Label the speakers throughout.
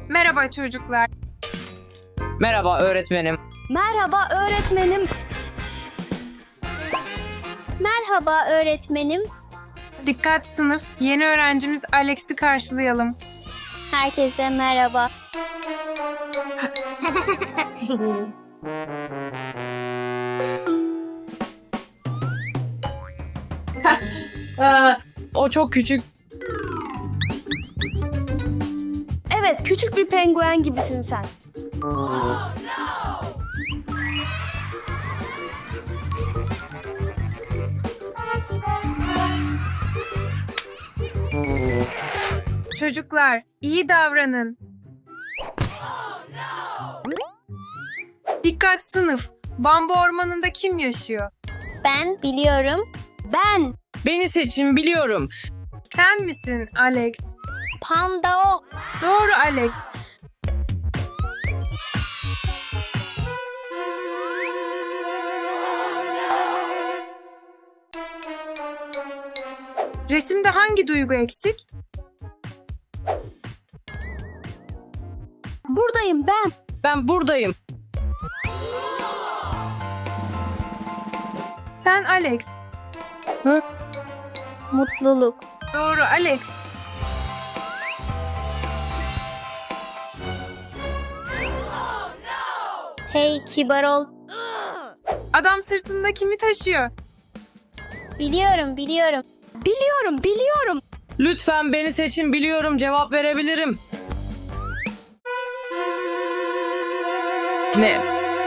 Speaker 1: Merhaba çocuklar.
Speaker 2: Merhaba öğretmenim.
Speaker 3: Merhaba öğretmenim.
Speaker 4: Merhaba öğretmenim.
Speaker 1: Dikkat sınıf. Yeni öğrencimiz Alex'i karşılayalım.
Speaker 4: Herkese merhaba.
Speaker 2: O çok küçük.
Speaker 3: Evet, küçük bir penguen gibisin sen.
Speaker 1: Çocuklar, iyi davranın. Dikkat sınıf. Bambu ormanında kim yaşıyor?
Speaker 4: Ben biliyorum.
Speaker 3: Ben.
Speaker 2: Beni seçin biliyorum.
Speaker 1: Sen misin Alex?
Speaker 4: Panda o.
Speaker 1: Doğru Alex. Resimde hangi duygu eksik?
Speaker 3: Buradayım ben.
Speaker 2: Ben buradayım.
Speaker 1: Sen Alex.
Speaker 4: Mutluluk.
Speaker 1: Doğru Alex.
Speaker 4: Hey kibar ol.
Speaker 1: Adam sırtında kimi taşıyor?
Speaker 4: Biliyorum.
Speaker 3: Biliyorum.
Speaker 2: Lütfen beni seçin biliyorum cevap verebilirim. Ne?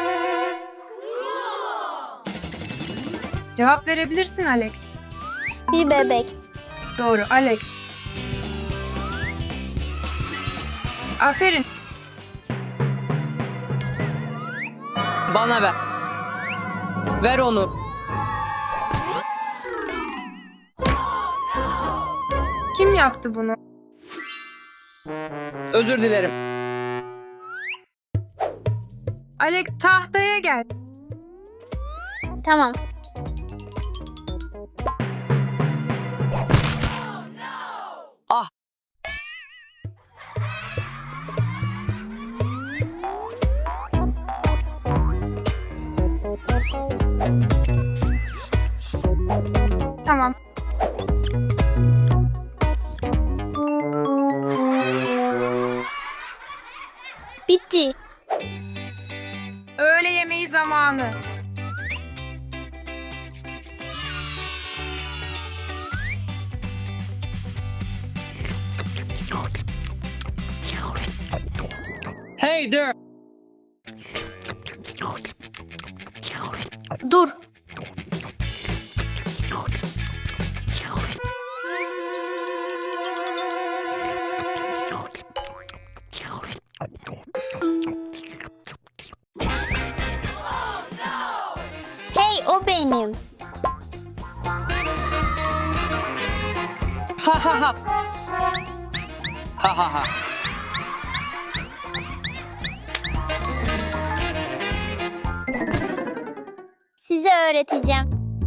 Speaker 1: Cevap verebilirsin Alex.
Speaker 4: Bir bebek.
Speaker 1: Doğru Alex. Aferin.
Speaker 2: Bana ver. Ver onu.
Speaker 1: Kim yaptı bunu?
Speaker 2: Özür dilerim.
Speaker 1: Alex tahtaya gel.
Speaker 4: Tamam.
Speaker 2: Ah.
Speaker 1: Tamam.
Speaker 4: Bitti.
Speaker 1: Öğle yemeği zamanı.
Speaker 2: Hey there.
Speaker 3: Dur.
Speaker 4: Hey o benim.
Speaker 2: Ha ha ha. Ha ha ha.
Speaker 4: Size öğreteceğim.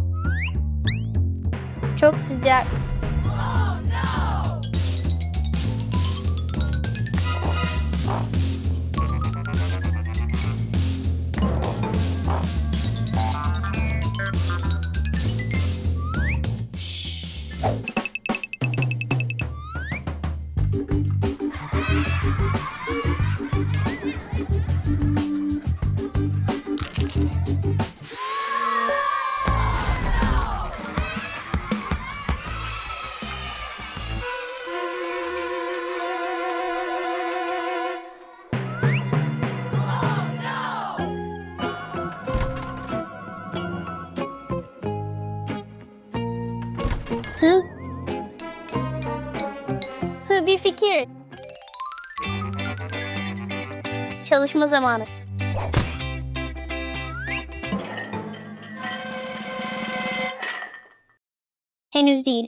Speaker 4: Çok sıcak. Hı? Bir fikir. Çalışma zamanı. Henüz değil.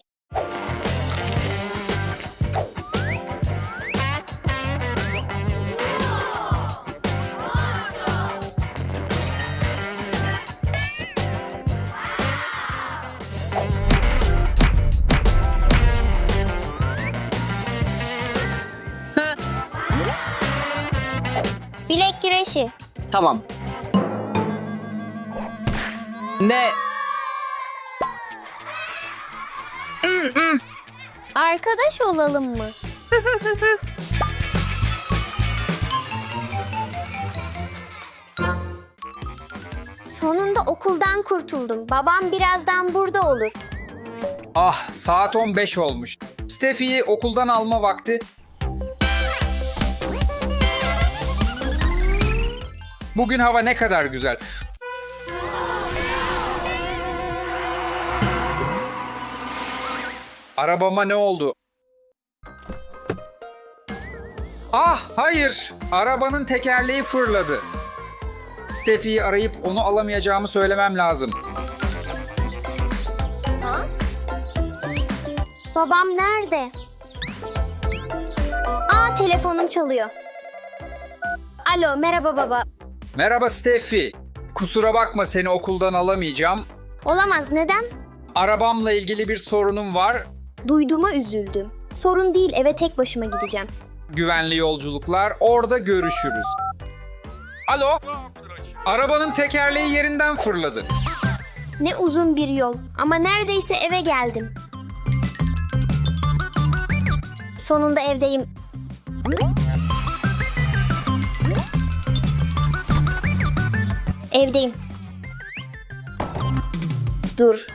Speaker 4: Bilek güreşi.
Speaker 2: Tamam. Ne?
Speaker 4: Arkadaş olalım mı? Sonunda okuldan kurtuldum. Babam birazdan burada olur.
Speaker 5: Ah, saat 15 olmuş. Steffi'yi okuldan alma vakti. Bugün hava ne kadar güzel. Arabama ne oldu? Ah, hayır. Arabanın tekerleği fırladı. Steffi'yi arayıp onu alamayacağımı söylemem lazım.
Speaker 4: Ha? Babam nerede? Aa, telefonum çalıyor. Alo, merhaba baba.
Speaker 5: Merhaba Steffi. Kusura bakma seni okuldan alamayacağım.
Speaker 4: Olamaz, neden?
Speaker 5: Arabamla ilgili bir sorunum var.
Speaker 4: Duyduğuma üzüldüm. Sorun değil, eve tek başıma gideceğim.
Speaker 5: Güvenli yolculuklar. Orada görüşürüz. Alo? Arabanın tekerleği yerinden fırladı.
Speaker 4: Ne uzun bir yol ama neredeyse eve geldim. Sonunda evdeyim. Evdeyim. Dur.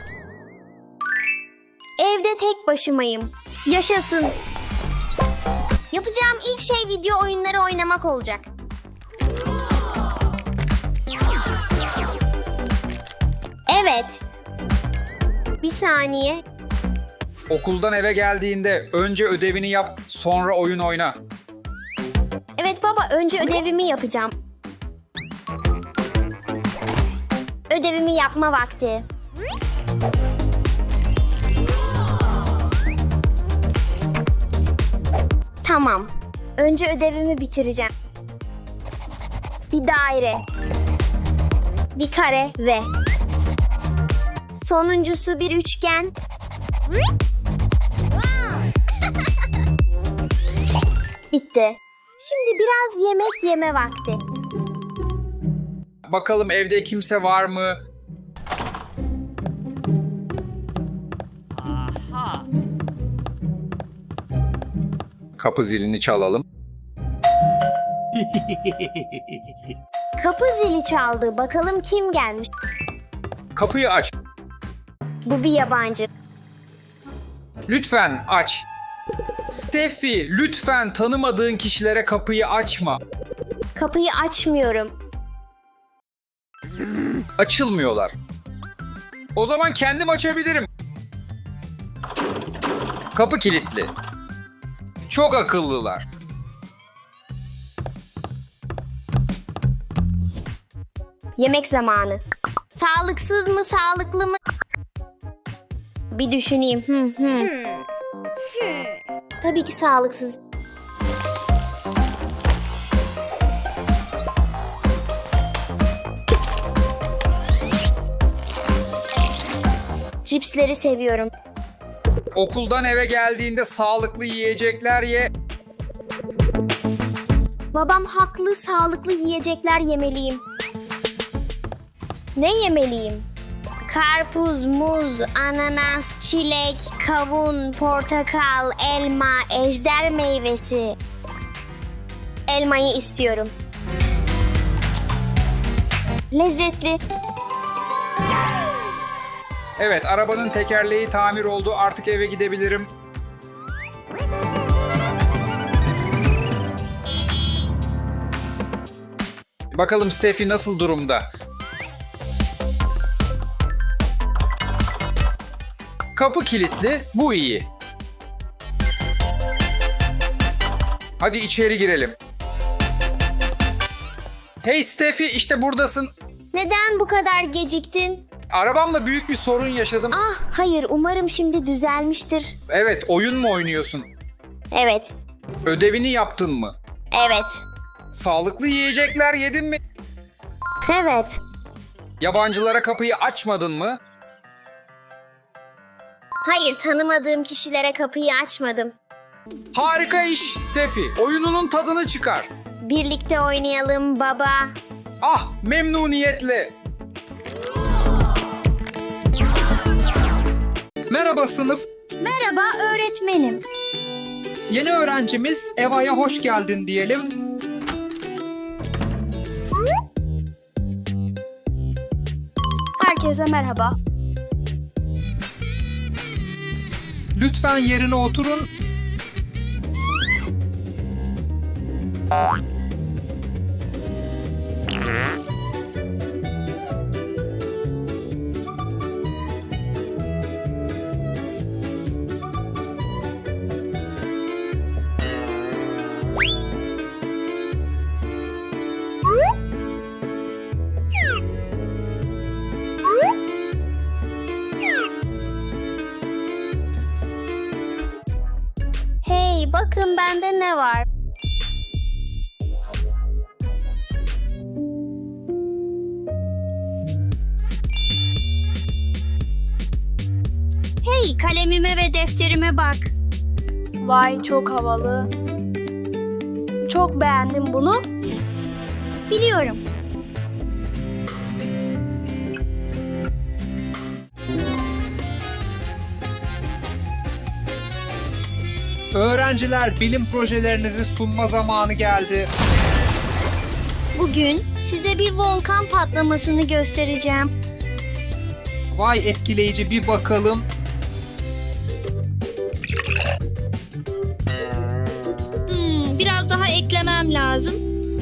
Speaker 4: Evde tek başımayım. Yaşasın. Yapacağım ilk şey video oyunları oynamak olacak. Evet. Bir saniye.
Speaker 5: Okuldan eve geldiğinde önce ödevini yap, sonra oyun oyna.
Speaker 4: Evet baba, önce ödevimi yapacağım. Ödevimi yapma vakti. Tamam. Önce ödevimi bitireceğim. Bir daire. Bir kare ve sonuncusu bir üçgen. Bitti. Şimdi biraz yemek yeme vakti.
Speaker 5: Bakalım evde kimse var mı? Kapı zilini çalalım.
Speaker 4: Kapı zili çaldı. Bakalım kim gelmiş.
Speaker 5: Kapıyı aç.
Speaker 4: Bu bir yabancı.
Speaker 5: Lütfen aç. Steffi, lütfen tanımadığın kişilere kapıyı açma.
Speaker 4: Kapıyı açmıyorum.
Speaker 5: Açılmıyorlar. O zaman kendim açabilirim. Kapı kilitli. Çok akıllılar.
Speaker 4: Yemek zamanı. Sağlıksız mı, sağlıklı mı? Bir düşüneyim. Tabii ki sağlıksız. Cipsleri seviyorum.
Speaker 5: Okuldan eve geldiğinde sağlıklı yiyecekler ye.
Speaker 4: Babam haklı, sağlıklı yiyecekler yemeliyim. Ne yemeliyim? Karpuz, muz, ananas, çilek, kavun, portakal, elma, ejder meyvesi. Elmayı istiyorum. Lezzetli.
Speaker 5: Evet, arabanın tekerleği tamir oldu. Artık eve gidebilirim. Bakalım Steffi nasıl durumda? Kapı kilitli, bu iyi. Hadi içeri girelim. Hey Steffi, işte buradasın.
Speaker 4: Neden bu kadar geciktin?
Speaker 5: Arabamla büyük bir sorun yaşadım.
Speaker 4: Ah, hayır, umarım şimdi düzelmiştir.
Speaker 5: Evet, oyun mu oynuyorsun?
Speaker 4: Evet,
Speaker 5: Ödevini yaptın mı?
Speaker 4: evet,
Speaker 5: Sağlıklı yiyecekler yedin mi?
Speaker 4: evet.
Speaker 5: Yabancılara kapıyı açmadın mı?
Speaker 4: Hayır, tanımadığım kişilere kapıyı açmadım.
Speaker 5: Harika iş Steffi. Oyununun tadını çıkar.
Speaker 4: Birlikte oynayalım baba.
Speaker 5: Ah, memnuniyetle. Merhaba sınıf.
Speaker 4: Merhaba öğretmenim.
Speaker 5: Yeni öğrencimiz Eva'ya hoş geldin diyelim.
Speaker 3: Herkese merhaba.
Speaker 5: Lütfen yerine oturun.
Speaker 4: Hey bakın bende ne var? Hey kalemime ve defterime bak.
Speaker 3: Vay çok havalı. Çok beğendim bunu.
Speaker 4: Biliyorum.
Speaker 5: Öğrenciler, bilim projelerinizi sunma zamanı geldi.
Speaker 4: Bugün size bir volkan patlamasını göstereceğim.
Speaker 5: Vay etkileyici, bir bakalım.
Speaker 4: Biraz daha eklemem lazım.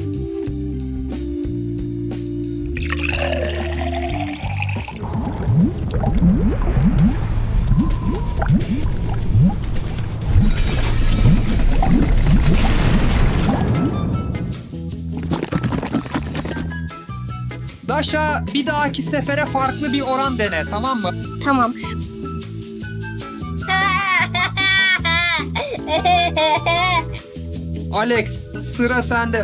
Speaker 5: Daşa, bir dahaki sefere farklı bir oran dene, tamam mı?
Speaker 4: Tamam.
Speaker 5: Alex, sıra sende.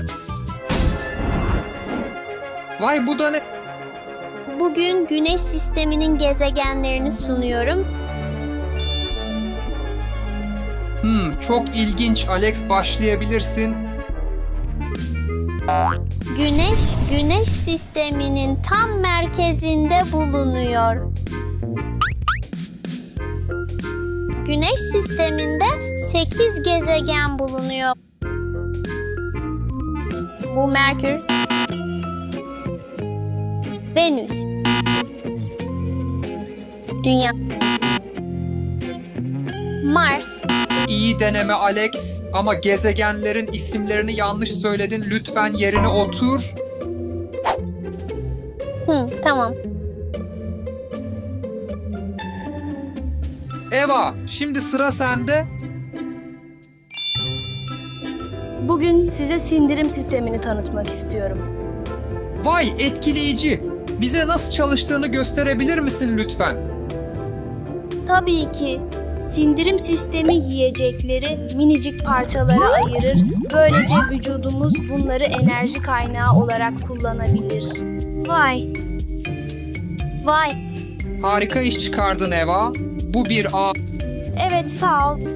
Speaker 5: Vay bu da ne?
Speaker 4: Bugün Güneş sisteminin gezegenlerini sunuyorum.
Speaker 5: Çok ilginç Alex, başlayabilirsin.
Speaker 4: Güneş sisteminin tam merkezinde bulunuyor. Güneş sisteminde 8 gezegen bulunuyor. Bu Merkür, Venüs, Dünya, Mars,
Speaker 5: İyi deneme Alex, ama gezegenlerin isimlerini yanlış söyledin. Lütfen yerine otur.
Speaker 4: tamam.
Speaker 5: Eva, şimdi sıra sende.
Speaker 3: Bugün size sindirim sistemini tanıtmak istiyorum.
Speaker 5: Vay etkileyici. Bize nasıl çalıştığını gösterebilir misin lütfen?
Speaker 3: Tabii ki. Sindirim sistemi yiyecekleri minicik parçalara ayırır. Böylece vücudumuz bunları enerji kaynağı olarak kullanabilir.
Speaker 4: Vay.
Speaker 5: Harika iş çıkardın Eva. Bu bir A.
Speaker 3: Evet, sağ ol.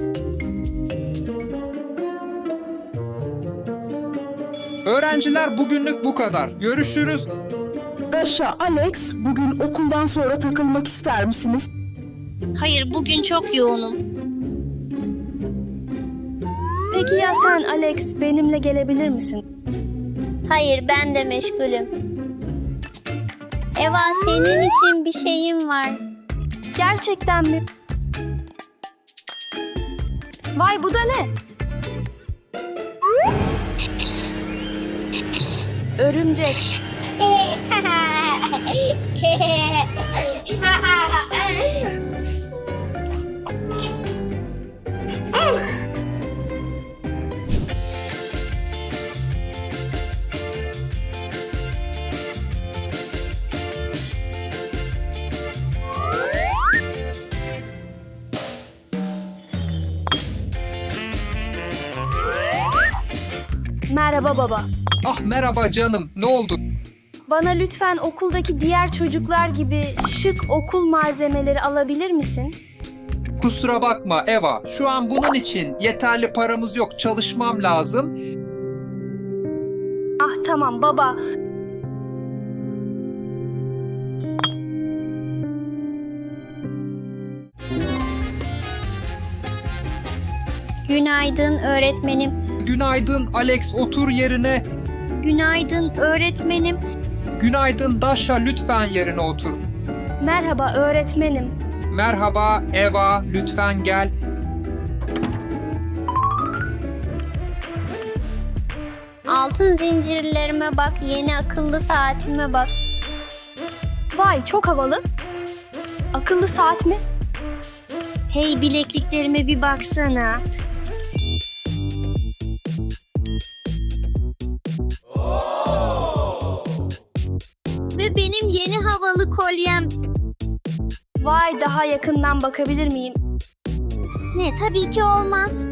Speaker 5: Öğrenciler, bugünlük bu kadar. Görüşürüz.
Speaker 6: Daşa, Alex, bugün okuldan sonra takılmak ister misiniz?
Speaker 4: Hayır, bugün çok yoğunum.
Speaker 3: Peki ya sen Alex, benimle gelebilir misin?
Speaker 4: Hayır, ben de meşgulüm. Eva, senin için bir şeyim var.
Speaker 3: Gerçekten mi? Vay bu da ne? Örümcek. Merhaba baba.
Speaker 5: Ah merhaba canım. Ne oldu?
Speaker 3: Bana lütfen okuldaki diğer çocuklar gibi şık okul malzemeleri alabilir misin?
Speaker 5: Kusura bakma Eva, şu an bunun için yeterli paramız yok, çalışmam lazım.
Speaker 3: Ah tamam baba.
Speaker 4: Günaydın öğretmenim.
Speaker 5: Günaydın Alex, otur yerine.
Speaker 4: Günaydın öğretmenim.
Speaker 5: Günaydın Dasha, lütfen yerine otur.
Speaker 3: Merhaba öğretmenim.
Speaker 5: Merhaba Eva, lütfen gel.
Speaker 4: Altın zincirlerime bak, yeni akıllı saatime bak.
Speaker 3: Vay çok havalı. Akıllı saat mi?
Speaker 4: Hey, bilekliklerime bir baksana. Ve benim yeni havalı kolyem.
Speaker 3: Vay daha yakından bakabilir miyim?
Speaker 4: Ne, tabii ki olmaz.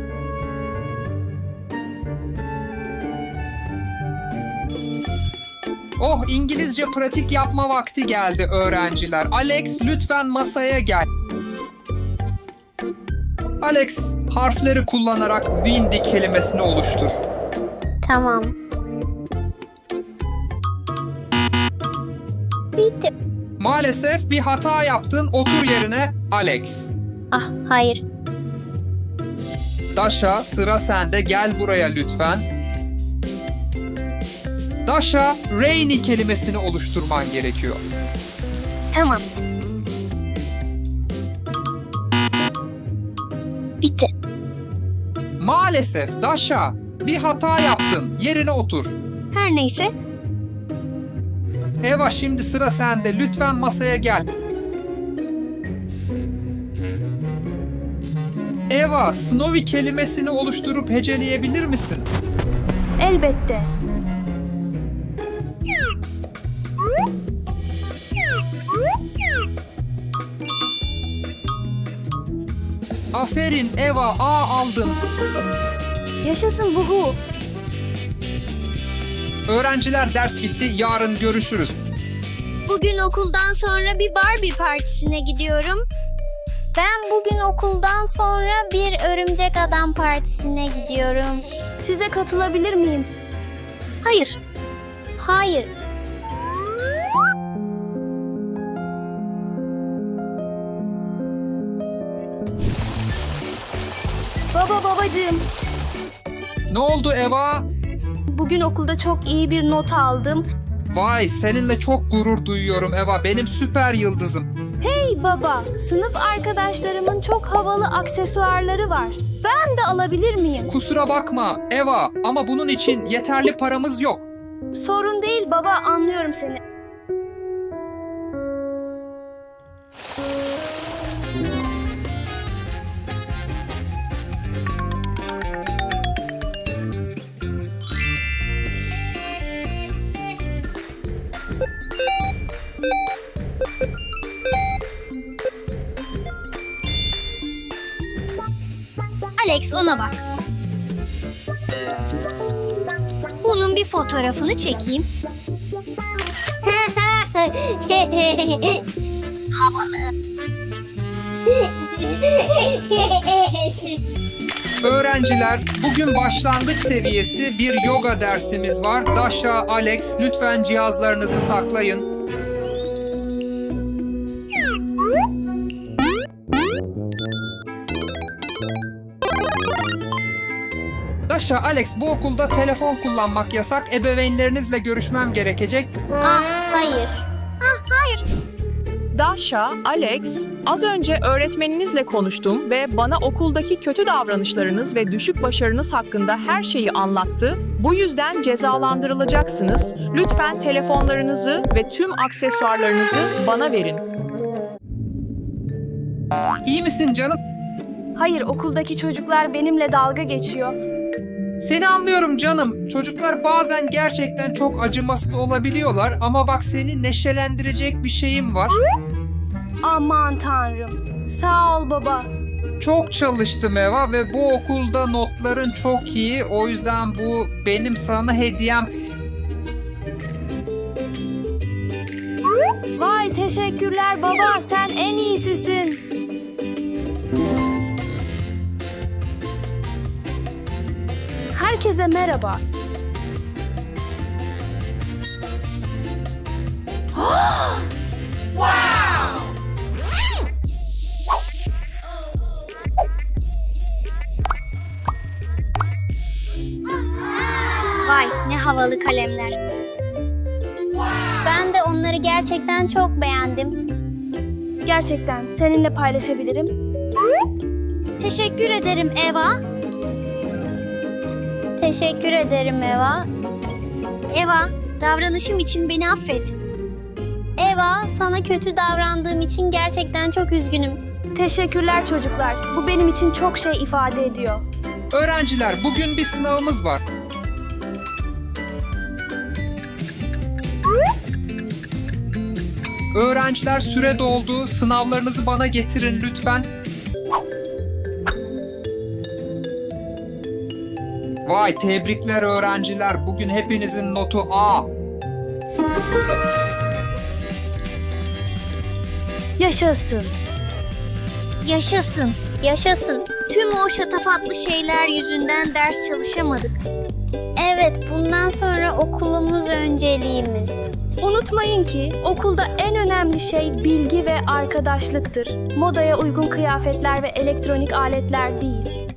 Speaker 5: Oh, İngilizce pratik yapma vakti geldi öğrenciler. Alex, lütfen masaya gel. Alex, harfleri kullanarak windy kelimesini oluştur.
Speaker 4: Tamam. Bitti.
Speaker 5: Maalesef bir hata yaptın, otur yerine Alex.
Speaker 4: Ah, hayır.
Speaker 5: Dasha, sıra sende, gel buraya lütfen. Dasha, rainy kelimesini oluşturman gerekiyor.
Speaker 4: Tamam. Bitti.
Speaker 5: Maalesef Dasha, bir hata yaptın, yerine otur.
Speaker 4: Her neyse.
Speaker 5: Eva, şimdi sıra sende, lütfen masaya gel. Eva, Snowy kelimesini oluşturup heceleyebilir misin?
Speaker 3: Elbette.
Speaker 5: Aferin Eva, A aldın.
Speaker 3: Yaşasın vuhu.
Speaker 5: Öğrenciler, ders bitti, yarın görüşürüz.
Speaker 4: Bugün okuldan sonra bir Barbie partisine gidiyorum. Ben bugün okuldan sonra bir örümcek adam partisine gidiyorum.
Speaker 3: Size katılabilir miyim?
Speaker 4: Hayır. Hayır.
Speaker 3: Babacığım.
Speaker 5: Ne oldu Eva?
Speaker 3: Bugün okulda çok iyi bir not aldım.
Speaker 5: Vay, seninle çok gurur duyuyorum Eva, benim süper yıldızım.
Speaker 3: Hey baba, sınıf arkadaşlarımın çok havalı aksesuarları var. Ben de alabilir miyim?
Speaker 5: Kusura bakma Eva, ama bunun için yeterli paramız yok.
Speaker 3: Sorun değil baba, anlıyorum seni.
Speaker 4: Alex, ona bak. Bunun bir fotoğrafını çekeyim. Havalı.
Speaker 5: Öğrenciler, bugün başlangıç seviyesi bir yoga dersimiz var. Dasha, Alex, lütfen cihazlarınızı saklayın. Dasha, Alex, bu okulda telefon kullanmak yasak. Ebeveynlerinizle görüşmem gerekecek.
Speaker 4: Ah, hayır.
Speaker 7: Dasha, Alex, az önce öğretmeninizle konuştum ve bana okuldaki kötü davranışlarınız ve düşük başarınız hakkında her şeyi anlattı. Bu yüzden cezalandırılacaksınız. Lütfen telefonlarınızı ve tüm aksesuarlarınızı bana verin.
Speaker 5: İyi misin canım?
Speaker 3: Hayır, okuldaki çocuklar benimle dalga geçiyor.
Speaker 5: Seni anlıyorum canım. Çocuklar bazen gerçekten çok acımasız olabiliyorlar ama bak, seni neşelendirecek bir şeyim var.
Speaker 3: Aman tanrım. Sağ ol baba.
Speaker 5: Çok çalıştım Eva ve bu okulda notların çok iyi. O yüzden bu benim sana hediyem.
Speaker 3: Vay teşekkürler baba, sen en iyisisin. Herkese merhaba.
Speaker 4: Vay ne havalı kalemler. Ben de onları gerçekten çok beğendim.
Speaker 3: Gerçekten seninle paylaşabilirim.
Speaker 4: Teşekkür ederim Eva. Teşekkür ederim Eva. Eva, davranışım için beni affet. Eva, sana kötü davrandığım için gerçekten çok üzgünüm.
Speaker 3: Teşekkürler çocuklar. Bu benim için çok şey ifade ediyor.
Speaker 5: Öğrenciler, bugün bir sınavımız var. Öğrenciler, süre doldu. Sınavlarınızı bana getirin lütfen. Vay, tebrikler öğrenciler. Bugün hepinizin notu A.
Speaker 3: Yaşasın.
Speaker 4: Yaşasın, yaşasın. Tüm o şatafatlı şeyler yüzünden ders çalışamadık. Evet, bundan sonra okulumuz önceliğimiz.
Speaker 3: Unutmayın ki okulda en önemli şey bilgi ve arkadaşlıktır. Modaya uygun kıyafetler ve elektronik aletler değil.